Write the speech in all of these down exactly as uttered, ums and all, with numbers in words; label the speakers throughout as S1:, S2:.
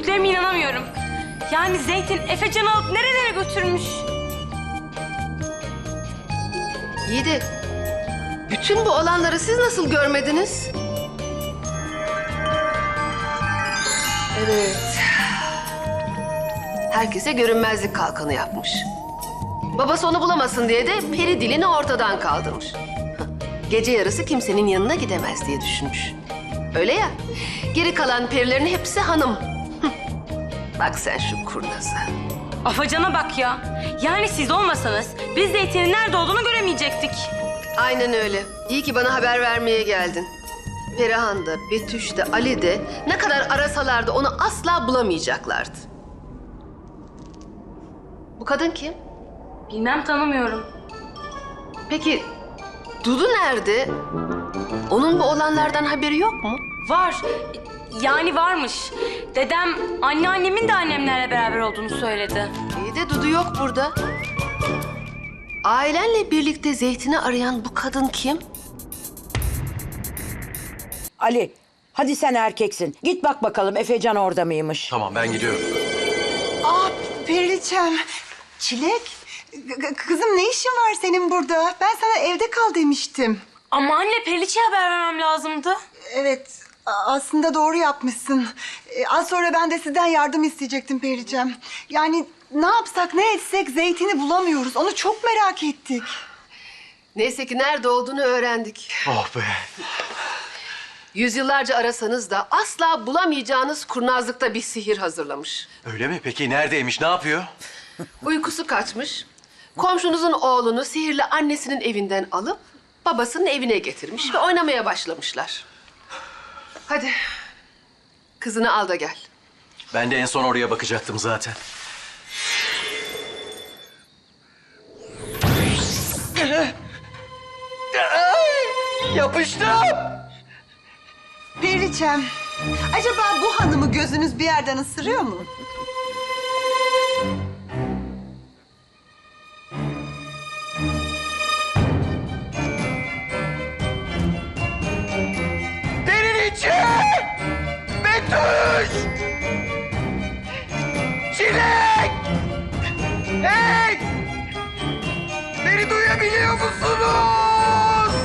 S1: Gördüklerime inanamıyorum. Yani Zeytin Efecan'ı alıp nerelere götürmüş?
S2: İyi de bütün bu olanları siz nasıl görmediniz? Evet. Herkese görünmezlik kalkanı yapmış. Babası onu bulamasın diye de peri dilini ortadan kaldırmış. Gece yarısı kimsenin yanına gidemez diye düşünmüş. Öyle ya, geri kalan perilerin hepsi hanım. Bak sen şu kurnaza.
S1: Afacan'a bak ya. Yani siz olmasanız biz Zeytin'in nerede olduğunu göremeyecektik.
S2: Aynen öyle. İyi ki bana haber vermeye geldin. Perihan da, Betüş de, Ali de ne kadar arasalardı onu asla bulamayacaklardı. Bu kadın kim?
S1: Bilmem, tanımıyorum.
S2: Peki Dudu nerede? Onun bu olanlardan haberi yok mu?
S1: Var. Yani varmış. Dedem anneannemin de annemlerle beraber olduğunu söyledi.
S2: İyi de Dudu yok burada. Ailenle birlikte Zeytin'i arayan bu kadın kim?
S3: Ali, hadi sen erkeksin. Git bak bakalım Efecan orada mıymış?
S4: Tamam, ben gidiyorum.
S5: Aa Periliçem, Çilek. K- kızım ne işin var senin burada? Ben sana evde kal demiştim.
S1: Ama anne, Periliçe'ye haber vermem lazımdı.
S5: Evet, a- aslında doğru yapmışsın. Ee, az sonra ben de sizden yardım isteyecektim Periliçem. Yani ne yapsak ne etsek Zeytin'i bulamıyoruz. Onu çok merak ettik.
S2: Neyse ki nerede olduğunu öğrendik.
S4: Oh be.
S2: Yüzyıllarca arasanız da asla bulamayacağınız kurnazlıkta bir sihir hazırlamış.
S4: Öyle mi? Peki neredeymiş, ne yapıyor?
S2: Uykusu kaçmış. Komşunuzun oğlunu sihirli annesinin evinden alıp babasının evine getirmiş ve oynamaya başlamışlar. Hadi kızını al da gel.
S4: Ben de en son oraya bakacaktım zaten. Yapıştım.
S5: Periliçem, acaba bu hanımı gözünüz bir yerden ısırıyor mu?
S4: Periliçe! Betüş! Çilek! Hey! Beni duyabiliyor musunuz?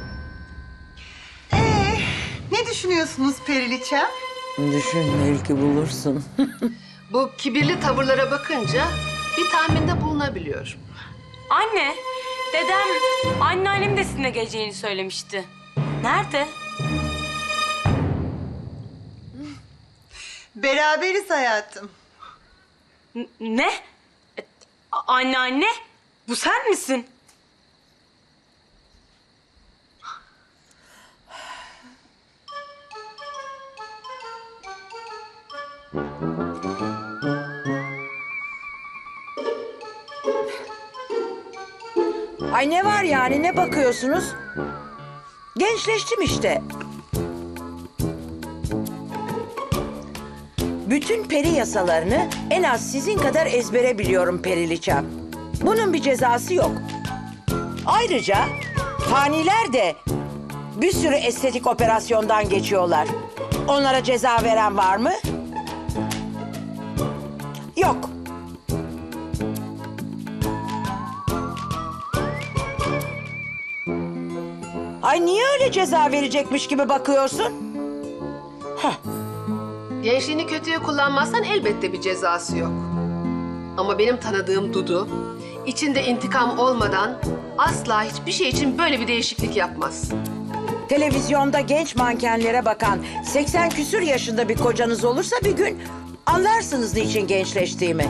S5: Ee, ne düşünüyorsunuz Periliçem?
S3: Düşün, belki bulursun.
S2: Bu kibirli tavırlara bakınca bir tahminde bulunabiliyorum.
S1: Anne, dedem anneannem de sizinle geleceğini söylemişti. Nerede?
S5: Beraberiz hayatım.
S1: N- ne? E, a- Anneanne, bu sen misin?
S3: Ay ne var yani, ne bakıyorsunuz? Gençleştim işte. Bütün peri yasalarını en az sizin kadar ezbere biliyorum Periliçem. Bunun bir cezası yok. Ayrıca faniler de bir sürü estetik operasyondan geçiyorlar. Onlara ceza veren var mı? Yok. Ay niye öyle ceza verecekmiş gibi bakıyorsun? Heh.
S2: Gençliğini kötüye kullanmazsan elbette bir cezası yok. Ama benim tanıdığım Dudu, içinde intikam olmadan asla hiçbir şey için böyle bir değişiklik yapmaz.
S3: Televizyonda genç mankenlere bakan seksen küsür yaşında bir kocanız olursa bir gün anlarsınız niçin gençleştiğimi.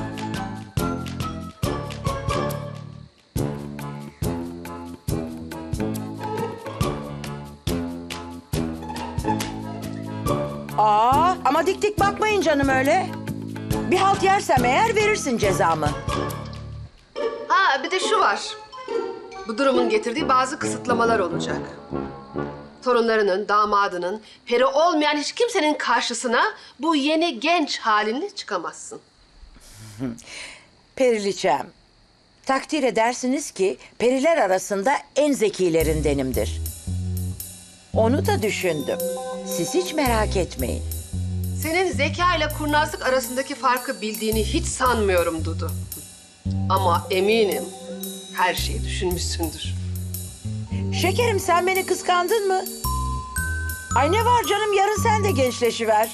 S3: Aa, ama dik dik bakmayın canım öyle. Bir halt yersem eğer verirsin cezamı.
S2: Ha bir de şu var. Bu durumun getirdiği bazı kısıtlamalar olacak. Torunlarının, damadının, peri olmayan hiç kimsenin karşısına bu yeni genç halinle çıkamazsın.
S3: Periliçem, takdir edersiniz ki periler arasında en zekilerindenimdir. Onu da düşündüm. Siz hiç merak etmeyin.
S2: Senin zeka ile kurnazlık arasındaki farkı bildiğini hiç sanmıyorum Dudu. Ama eminim her şeyi düşünmüşsündür.
S3: Şekerim sen beni kıskandın mı? Ay ne var canım yarın sen de gençleşiver.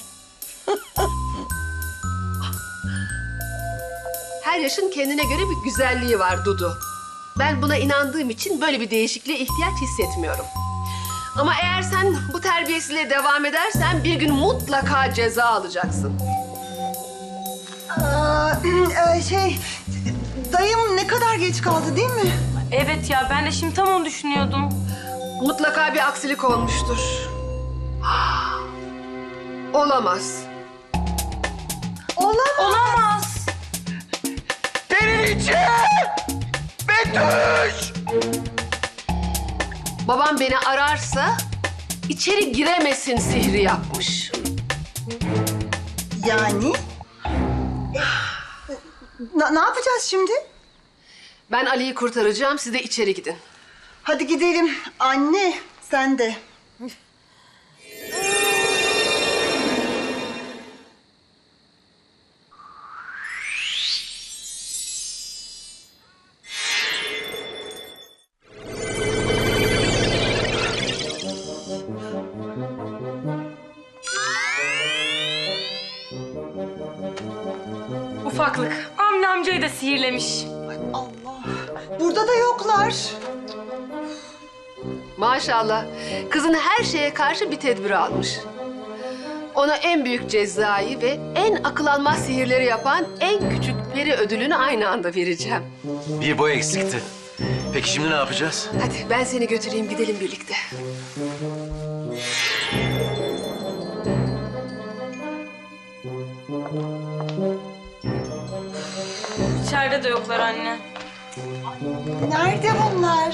S2: Her yaşın kendine göre bir güzelliği var Dudu. Ben buna inandığım için böyle bir değişikliğe ihtiyaç hissetmiyorum. Ama eğer sen bu terbiyesizliğe devam edersen bir gün mutlaka ceza alacaksın.
S5: Aa, e, şey, dayım ne kadar geç kaldı değil mi?
S1: Evet ya, ben de şimdi tam onu düşünüyordum.
S2: Mutlaka bir aksilik olmuştur. Olamaz.
S5: Olamaz.
S1: Olamaz.
S4: Periliçe! Betüş!
S2: Babam beni ararsa içeri giremesin sihri yapmış.
S5: Yani? E, na- ne yapacağız şimdi?
S2: Ben Ali'yi kurtaracağım, siz de içeri gidin.
S5: Hadi gidelim. Anne, sen de.
S1: Ufaklık. Avni amcayı da sihirlemiş.
S5: Allah. Burada da yoklar.
S2: Maşallah, kızın her şeye karşı bir tedbir almış. Ona en büyük cezayı ve en akıl almaz sihirleri yapan en küçük peri ödülünü aynı anda vereceğim.
S4: Bir boy eksikti. Peki şimdi ne yapacağız?
S2: Hadi ben seni götüreyim, gidelim birlikte.
S1: İçeride de yoklar anne.
S5: Nerede bunlar?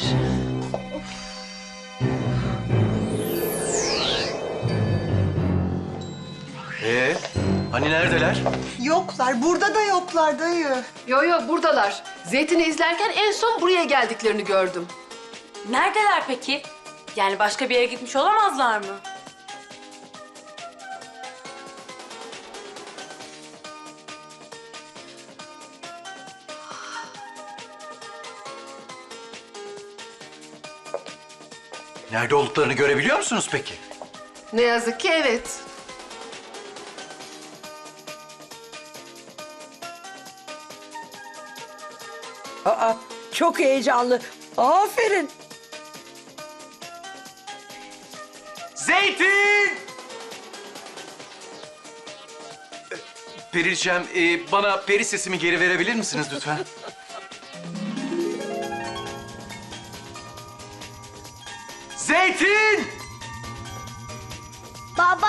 S4: Ee, hani neredeler?
S5: Yoklar. Burada da yoklar dayı.
S2: Yo yo buradalar. Zeytin'i izlerken en son buraya geldiklerini gördüm.
S1: Neredeler peki? Yani başka bir yere gitmiş olamazlar mı?
S4: Nerede olduklarını görebiliyor musunuz peki?
S2: Ne yazık ki evet.
S3: Aa, çok heyecanlı. Aferin.
S4: Zeytin! Periliçem, e, bana peri sesimi geri verebilir misiniz lütfen? Zeytin!
S6: Baba,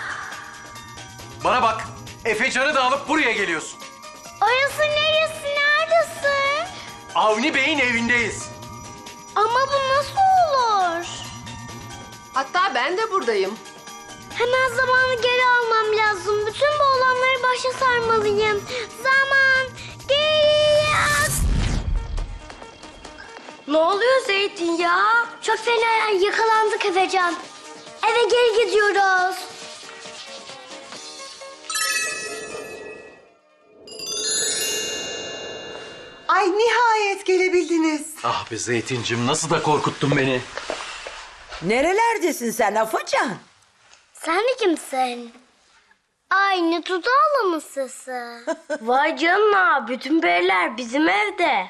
S4: Bana bak, Efecan'ı da alıp buraya geliyorsun.
S6: orası neresi, neredesin?
S4: Avni Bey'in evindeyiz.
S6: Ama bu nasıl olur?
S2: Hatta ben de buradayım.
S6: Hemen zamanı geri almam lazım. Bütün bu olanları başa sarmalıyım. Zaman geriye ak... Ne oluyor Zeytin ya? Çok fena yakalandık Efecan. Eve geri gidiyoruz.
S5: Ay nihayet gelebildiniz.
S4: Ah be Zeytincim, nasıl da korkuttun beni.
S3: Nerelerdesin sen Afacan?
S6: Sen de kimsin? Aynı Dudağlı mı sesi? Vay canına, bütün periler bizim evde.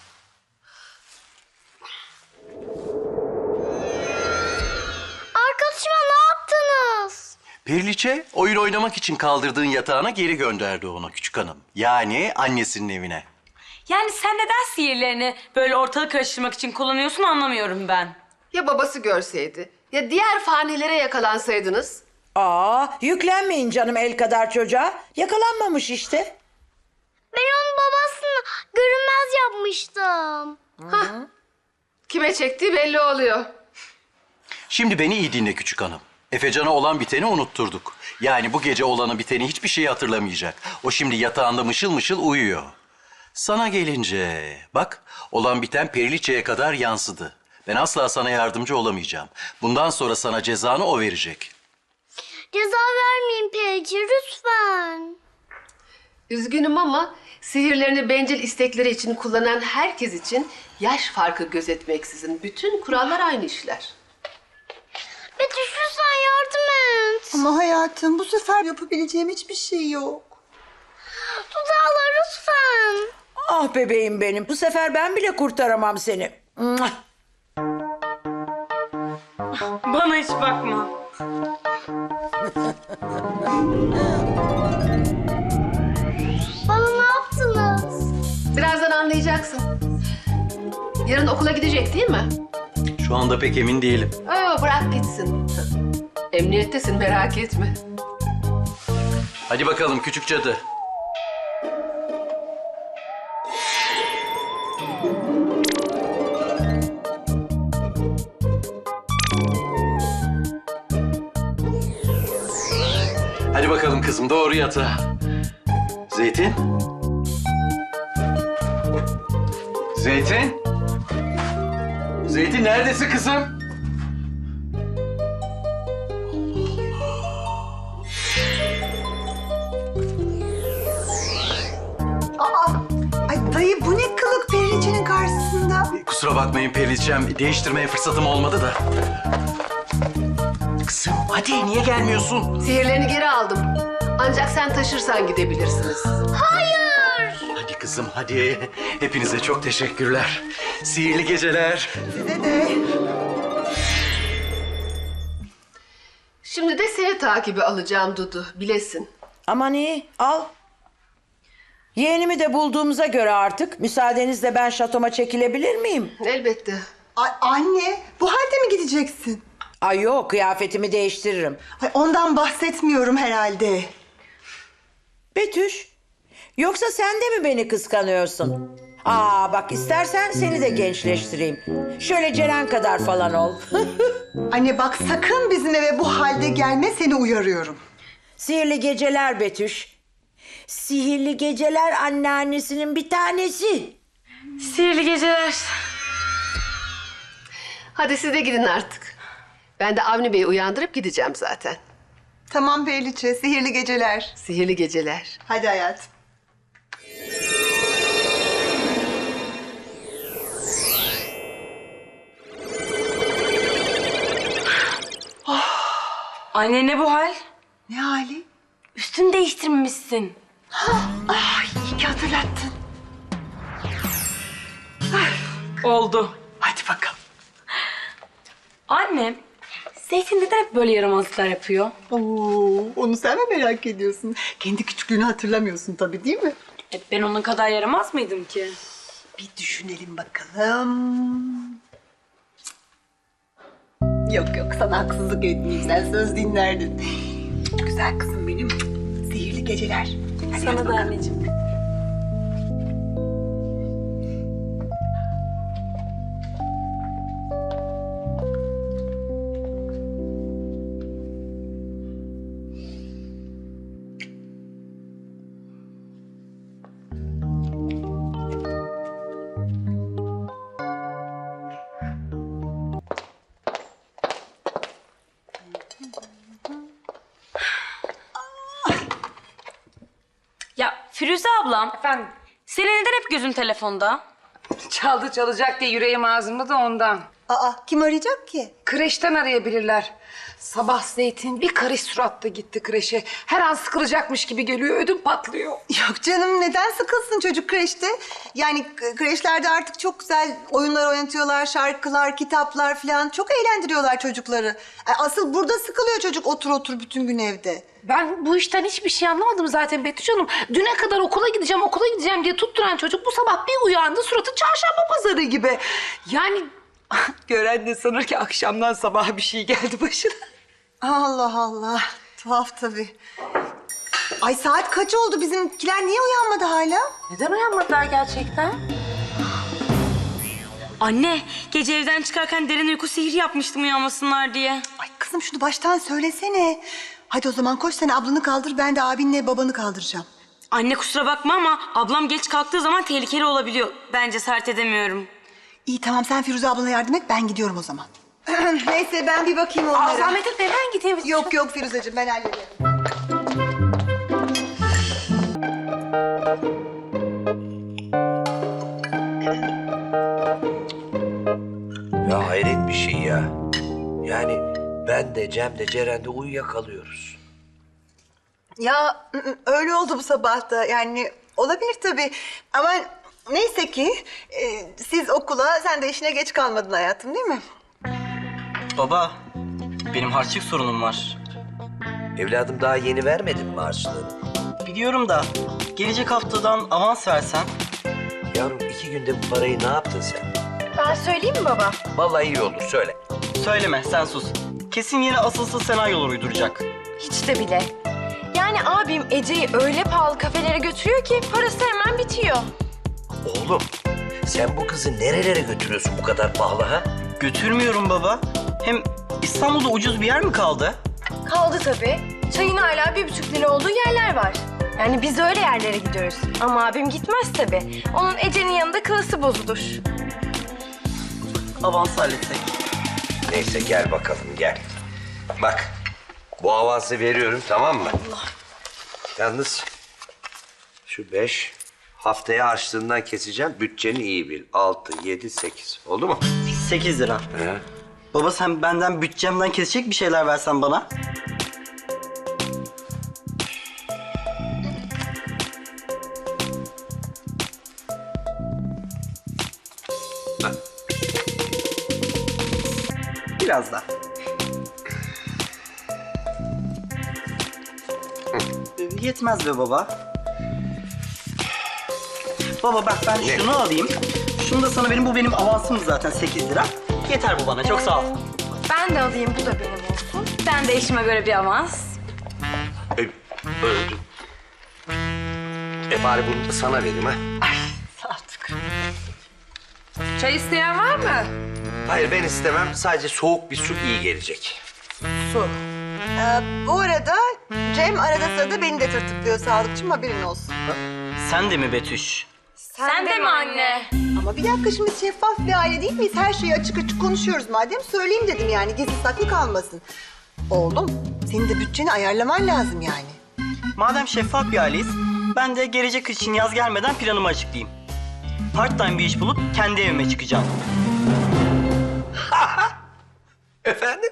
S6: Arkadaşıma ne yaptınız?
S4: Periliçe, oyun oynamak için kaldırdığın yatağına geri gönderdi onu küçük hanım. Yani annesinin evine.
S1: Yani sen neden sihirlerini böyle ortalık karıştırmak için kullanıyorsun anlamıyorum ben.
S2: Ya babası görseydi? Ya diğer fanilere yakalansaydınız?
S3: Aa, yüklenmeyin canım el kadar çocuğa. Yakalanmamış işte.
S6: Ben onun babasını görünmez yapmıştım.
S2: Kime çektiği belli oluyor.
S4: Şimdi beni iyi dinle küçük hanım. Efecan'a olan biteni unutturduk. Yani bu gece olanı biteni hiçbir şey hatırlamayacak. O şimdi yatağında mışıl mışıl uyuyor. Sana gelince bak, olan biten Periliçe'ye kadar yansıdı. Ben asla sana yardımcı olamayacağım. Bundan sonra sana cezanı o verecek.
S6: Ceza vermeyin Perici lütfen.
S2: Üzgünüm ama sihirlerini bencil istekleri için kullanan herkes için yaş farkı gözetmeksizin bütün kurallar aynı işler.
S6: Betüş lütfen yardım et.
S5: Ama hayatım bu sefer yapabileceğim hiçbir şey yok.
S6: Dudu lütfen.
S3: Ah bebeğim benim. Bu sefer ben bile kurtaramam seni. Mua!
S1: Bana hiç bakma.
S6: Bana ne yaptınız?
S2: Birazdan anlayacaksın. Yarın okula gidecek değil mi?
S4: Şu anda pek emin değilim.
S2: Aa, bırak gitsin. Emniyettesin, merak etme.
S4: Hadi bakalım küçük cadı. Hadi bakalım kızım, doğru yatağa. Zeytin? Zeytin? Zeytin neredesin kızım?
S5: Aa, ay dayı bu ne kılık Periliçe'nin karşısında?
S4: Kusura bakmayın Periliçem, değiştirmeye fırsatım olmadı da. Kızım hadi niye gelmiyorsun?
S2: Sihirlerini geri aldım. Ancak sen taşırsan gidebilirsiniz.
S4: Hadi kızım hadi. Hepinize çok teşekkürler. Sihirli geceler.
S5: Size de.
S2: Şimdi de seni takibi alacağım Dudu, bilesin.
S3: Aman iyi, al. Yeğenimi de bulduğumuza göre artık müsaadenizle ben şatoma çekilebilir miyim?
S2: Elbette.
S5: Ay anne bu halde mi gideceksin?
S3: Ay yok, kıyafetimi değiştiririm.
S5: Ay ondan bahsetmiyorum herhalde.
S3: Betüş, yoksa sen de mi beni kıskanıyorsun? Aa bak istersen seni de gençleştireyim. Şöyle Ceren kadar falan ol.
S5: Anne bak sakın bizim eve bu halde gelme seni uyarıyorum.
S3: Sihirli geceler Betüş. Sihirli geceler anneannesinin bir tanesi.
S1: Sihirli geceler.
S2: Hadi siz de gidin artık. Ben de Avni Bey'i uyandırıp gideceğim zaten.
S5: Tamam Periliçe sihirli geceler.
S2: Sihirli geceler.
S5: Hadi hayatım.
S1: Anne ne bu hal?
S5: Ne hali?
S1: Üstünü değiştirmemişsin.
S5: Ay iyi ki hatırlattın.
S1: Oldu.
S5: Hadi bakalım.
S1: Anne, Zeytin neden hep böyle yaramazlıklar yapıyor?
S5: Oo, onu sen mi merak ediyorsun? Kendi küçüklüğünü hatırlamıyorsun tabii değil mi?
S1: E, ben onun kadar yaramaz mıydım ki?
S5: Bir düşünelim bakalım. Yok yok sana haksızlık etmeyeyim. Sen söz dinlerdin. Güzel kızım benim. Sihirli geceler. Hadi
S1: Sana
S5: yat
S1: da
S5: bakalım.
S1: anneciğim. Ya Firuze ablam.
S7: Efendim?
S1: Senin neden hep gözün telefonda?
S7: Çaldı çalacak diye yüreğim ağzımda da ondan.
S5: Aa kim arayacak ki?
S7: Kreşten arayabilirler. Sabah Zeytin bir karış suratla gitti kreşe. Her an sıkılacakmış gibi geliyor, ödüm patlıyor.
S5: Yok canım neden sıkılsın çocuk kreşte? Yani k- kreşlerde artık çok güzel oyunlar oynatıyorlar, şarkılar, kitaplar falan. Çok eğlendiriyorlar çocukları. E, Asıl burada sıkılıyor çocuk otur otur bütün gün evde.
S7: Ben bu işten hiçbir şey anlamadım zaten Betüş Hanım. Düne kadar okula gideceğim, okula gideceğim diye tutturan çocuk bu sabah bir uyandı suratı çarşamba pazarı gibi. Yani gören de sanır ki akşamdan sabaha bir şey geldi başına.
S5: Allah Allah. Tuhaf tabii. Ay saat kaç oldu bizimkiler niye uyanmadı hala?
S7: Neden uyanmadılar gerçekten?
S1: Anne, gece evden çıkarken derin uyku sihri yapmıştım uyanmasınlar diye.
S5: Ay kızım şunu baştan söylesene. Hadi o zaman koş sen ablanı kaldır ben de abinle babanı kaldıracağım.
S1: Anne kusura bakma ama ablam geç kalktığı zaman tehlikeli olabiliyor. Ben cesaret edemiyorum.
S5: İyi tamam sen Firuze ablana yardım et ben gidiyorum o zaman. Neyse ben bir bakayım onlara.
S7: Aa, zahmet etme ben gideyim. Betüş
S5: Yok yok Firuzeciğim ben hallederim.
S8: Ya hayret bir şey ya. Yani ben de Cem de Ceren de uyuyakalıyoruz.
S5: Ya ı- ı, öyle oldu bu sabah da yani olabilir tabii. Ama neyse ki e, siz okula sen de işine geç kalmadın hayatım değil mi?
S9: Baba, benim harçlık sorunum var.
S8: Evladım daha yeni vermedin mi harçlığını?
S9: Biliyorum da gelecek haftadan avans versen.
S8: Yavrum iki günde bu parayı ne yaptın sen?
S6: Ben söyleyeyim mi baba?
S8: Vallahi iyi olur söyle.
S9: Söyleme, sen sus. Kesin yine asılsız senaryolar uyduracak.
S10: Hiç de bile. Yani abim Ece'yi öyle pahalı kafelere götürüyor ki parası hemen bitiyor.
S8: Oğlum sen bu kızı nerelere götürüyorsun bu kadar pahalı ha?
S9: Götürmüyorum baba. Hem İstanbul'da ucuz bir yer mi kaldı?
S10: Kaldı tabii. Çayın hala bir buçuk lira olduğu yerler var. Yani biz öyle yerlere gidiyoruz. Ama abim gitmez tabii. Onun Ece'nin yanında klası bozulur.
S9: Avans halletsek.
S8: Neyse gel bakalım gel. Bak bu avansı veriyorum tamam mı? Yalnız şu beş haftaya harçlığından keseceğim. Bütçeni iyi bil. Altı, yedi, sekiz. Oldu mu?
S9: Sekiz lira.
S8: He.
S9: Baba sen benden bütçemden kesecek bir şeyler versen bana. Biraz daha. Yetmez be baba. Baba bak ben
S8: Ne?
S9: şunu alayım. Şunu da sana benim, bu benim avansım zaten sekiz lira. Yeter bu bana, çok sağ ol.
S10: Ben de alayım, bu da benim olsun.
S1: Ben de işime göre bir avans.
S8: E, öldü. E bari bunu da sana vereyim ha.
S7: Çay isteyen var mı?
S8: Hayır ben istemem. Sadece soğuk bir su iyi gelecek.
S5: Ee, bu arada Cem arada sırada beni de tırtıklıyor sağlıkçım haberin olsun.
S9: Sen de mi Betüş?
S1: Sen, de mi anne?
S5: Ama bir dakika şimdi şeffaf bir aile değil miyiz? Her şeyi açık açık konuşuyoruz madem söyleyeyim dedim yani gizli saklı kalmasın. Oğlum senin de bütçeni ayarlaman lazım yani.
S9: Madem şeffaf bir aileyiz, ben de gelecek kış için yaz gelmeden planımı açıklayayım. Part time bir iş bulup kendi evime çıkacağım.
S8: Efendim?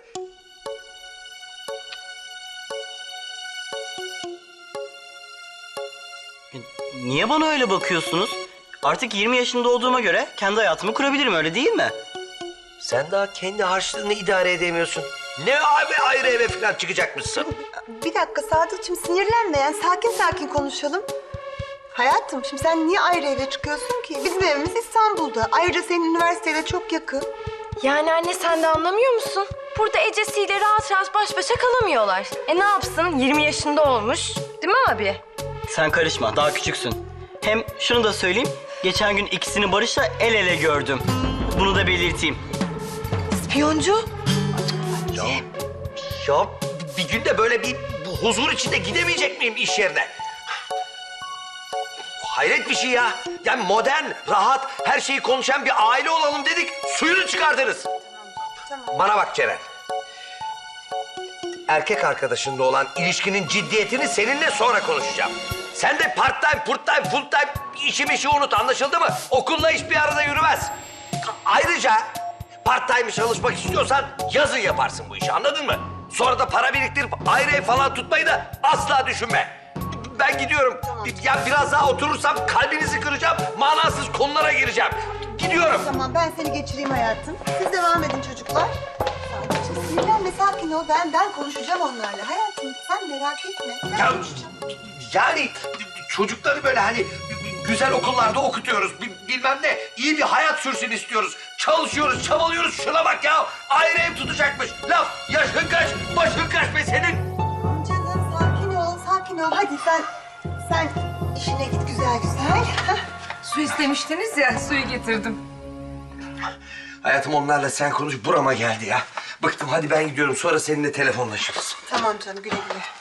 S9: Niye bana öyle bakıyorsunuz? Artık yirmi yaşında olduğuma göre kendi hayatımı kurabilirim, öyle değil mi?
S8: Sen daha kendi harçlığını idare edemiyorsun. Ne abi ayrı eve falan çıkacakmışsın?
S5: Bir dakika Sadıkçım sinirlenme yani sakin sakin konuşalım. Hayatım şimdi sen niye ayrı eve çıkıyorsun ki? Bizim evimiz İstanbul'da. Ayrıca senin üniversiteyle çok yakın.
S10: Yani anne sen de anlamıyor musun? Burada Ece'siyle rahat rahat baş başa kalamıyorlar. E ne yapsın? yirmi yaşında olmuş. Değil mi abi?
S9: Sen karışma, daha küçüksün. Hem şunu da söyleyeyim, geçen gün ikisini Barış'la el ele gördüm. Bunu da belirteyim.
S10: İspiyoncu.
S8: Ya bir gün de böyle bir bu huzur içinde gidemeyecek miyim iş yerine? Hayret bir şey ya. Yani modern, rahat, her şeyi konuşan bir aile olalım dedik. Suyunu çıkardınız. Bana bak Ceren. Erkek arkadaşınla olan ilişkinin ciddiyetini seninle sonra konuşacağım. Sen de part time, purt time, full time işi mişi unut anlaşıldı mı? Okulla iş bir arada yürümez. Ayrıca part time çalışmak istiyorsan yazın yaparsın bu işi anladın mı? Sonra da para biriktirip ayrı ev falan tutmayı da asla düşünme. Ben gidiyorum. Ya biraz daha oturursam kalbinizi kıracağım. Manasız konulara gireceğim. Gidiyorum.
S5: Tamam ben seni geçireyim hayatım. Siz devam edin çocuklar. Sadıkçım sinirlenme sakin ol. Ben ben konuşacağım onlarla. Hayatım sen merak etme. Ben
S8: Ya,
S5: konuşacağım.
S8: yani çocukları böyle hani güzel okullarda okutuyoruz. Bi- Bilmem ne. İyi bir hayat sürsün istiyoruz. Çalışıyoruz, çabalıyoruz. Şuna bak ya. Ayrı ev tutacakmış. Laf yaşın kaç, başın kaç be senin.
S5: Canım sakin ol, sakin ol. Hadi sen sen işine git güzel güzel. Hah.
S7: Su istemiştiniz ya, suyu getirdim.
S8: Hayatım onlarla sen konuş burama geldi ya. Bıktım hadi ben gidiyorum sonra seninle telefonlaşırız.
S5: Tamam canım güle güle.